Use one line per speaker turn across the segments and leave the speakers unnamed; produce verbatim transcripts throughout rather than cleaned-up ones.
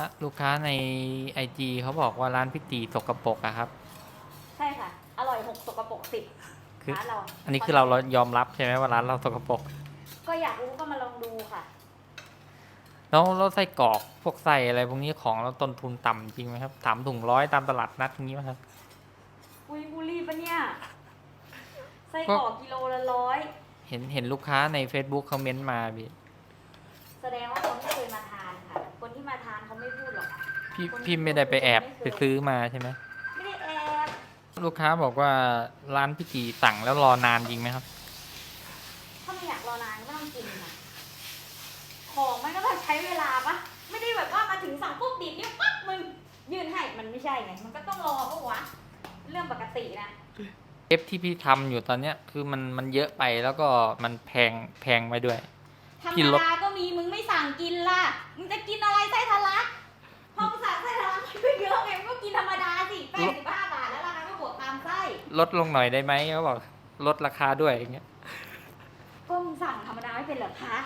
ลูกค้าในไอจีเขาบอกว่าร้านพี่ตีสกปรกอะครับ
ใช่ค่ะอร่อยหกสกปรกสิบ
คือ
ร้านเรา
อันนี้คือเราเรายอมรับใช่ไหมว่าร้านเราสกปรก
ก็อยากรู้ก็มาลองดูค่ะ
แล้วเราไส้กรอกพวกไส้อะไรพวกนี้ของเราต้นทุนต่ำจริงไหมครับสามถุงร้อยตามตลาดนัดอย่างนี้ไหมครับ
อุ้ยบุรีปะเนี่ยไส้กรอกกิโลละร้อย
เห็นเห็นลูกค้าใน Facebook คอมเมนต์มาพี่
แสดงว่าเขาไม่เคยมาทานค่ะคนที่มาทานเขาไม่พูดหรอก
พี่พี่ไม่ได้ไปแอบไปซื้อมาใช่ไหม
ไม่ได้แอบ
ลูกค้าบอกว่าร้านพี่ตีสั่งแล้วรอนานจริงไหมครับ
ถ้าไม่อยากรอนานก็ไม่ต้องกินค่ะของมันก็ต้องใช้เวลาปะไม่ได้แบบว่ามาถึงสั่งปุ๊บดีดนิ้วปั๊บมึงยื่นให้มันไม่ใช่ไงมันก็ต้องรอปะวะเรื่องปกตินะ
เอฟที่พี่ทำอยู่ตอนเนี้ยคือมันมันเยอะไปแล้วก็มันแพงแพงไปด้วย
ธรรมดาก็มีมึงไม่สั่งกินล่ะมึงจะกินอะไรไส้ทะลักพอมึงสั่งไส้ทะลักมันก็เยอะไงมันก็กินธรรมดาสิแปดสิบห้าบาทแล้วราคาก็บวกตามไส้
ลดลงหน่อยได้ไหมเขาบอกลดราคาด้วยอย่างเงี้ย
ก็มึงสั่งธรรมดาไม่เป็นเหรอคะ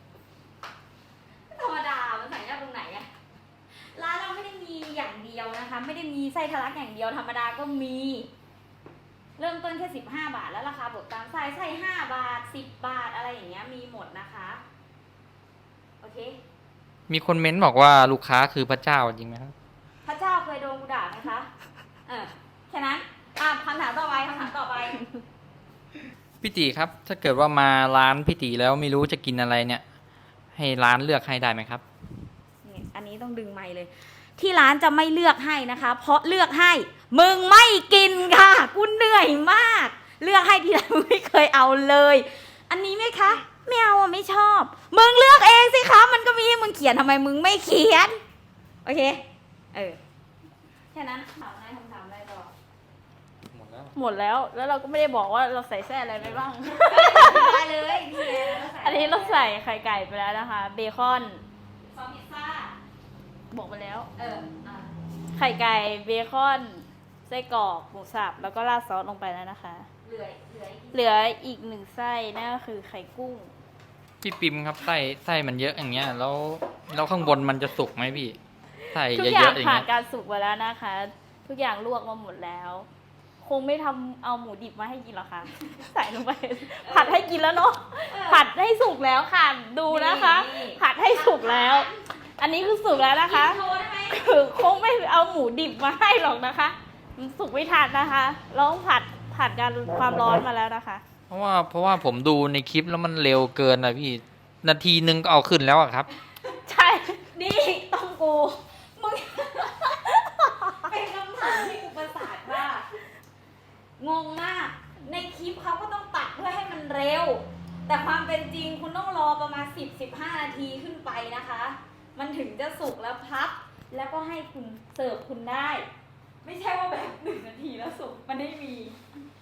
ธรรมดามันสั่งยากตรงไหนอะร้านเราไม่ได้มีอย่างเดียวนะคะไม่ได้มีไส้ทะลักอย่างเดียวธรรมดาก็มีเริ่มต้นแค่สิบห้าบาทแล้วราคาบวกตามไส้ไส้ห้าบาทสิบบาทอะไรอย่างเงี้ยมีหมดนะคะโอเค
มีคนเม้นบอกว่าลูกค้าคือพระเจ้าจริงไหมครับ
พระเจ้าเคยโดนกูด่าไหมคะเออแค่นั้นอ่ะคำถามต่อไปคำถามต่อไป
พี่ตีครับถ้าเกิดว่ามาร้านพี่ตีแล้วไม่รู้จะกินอะไรเนี่ยให้ร้านเลือกให้ได้ไหมครับ
อันนี้ต้องดึงไมค์เลยที่ร้านจะไม่เลือกให้นะคะเพราะเลือกให้มึงไม่กินค่ะกูเหนื่อยมากเลือกให้ทีไรมึงไม่เคยเอาเลยอันนี้ไหมคะไม่เอาอ่ะไม่ชอบมึงเลือกเองสิคะมันก็มีให้มึงเขียนทำไมมึงไม่เขียนโอเคเออแค่นั้นถามอะไรคำถามอะไรต่อ
หมดแล้ว
หมดแล้วแล้วเราก็ไม่ได้บอกว่าเราใส่แส้อะไรไปบ้าง
ได้เลย
อันนี้เราใส่ไข่ไก่ไปแล้วนะคะเบคอน
ซอสพิซซ่า
บอกไปแล้ว
เออ
ไข่ไก่เบคอนไส้กรอกหมูสับแล้วก็ราดซอสลงไปแล้วนะคะ
เหลือเหลือ
เหลืออีกหนึ่งไส้นั่นก็คือไข่กุ้ง
พี่ปิมครับไส้ไส้มันเยอะอย่างเงี้ยแล้วแล้วข้างบนมันจะสุกไหมพี่ไส้เยอะๆอย่างเงี้ย
ทุกอย่างผ่านการสุกมาแล้วนะคะทุกอย่างลวกมาหมดแล้วคงไม่ทำเอาหมูดิบมาให้กินหรอกคะใส่ลงไปผัดให้กินแล้วเนาะผัดให้สุกแล้วค่ะดูนะคะผัดให้สุกแล้วอันนี้คือสุกแล้วนะคะคือคงไม่เอาหมูดิบมาให้หรอกนะคะมันสุกไม่ทันนะคะลองผัดผัดการความร้อนมาแล้วนะคะ
เพราะว่าเพราะว่าผมดูในคลิปแล้วมันเร็วเกินนะพี่นาทีนึงก็เอาขึ้นแล้วอะครับ
ใช่
นี่ต้องกูมึงเป็นคำถามที่อุปสรรคว่างงมากในคลิปเขาก็ต้องตัดเพื่อให้มันเร็วแต่ความเป็นจริงคุณต้องรอประมาณ สิบถึงสิบห้า นาทีขึ้นไปนะคะมันถึงจะสุกแล้วพับแล้วก็ให้คุณเสิร์ฟคุณได้ไม่ใช่ว่าแบบหนึ่งนาทีแล้วสุกมันไม่มี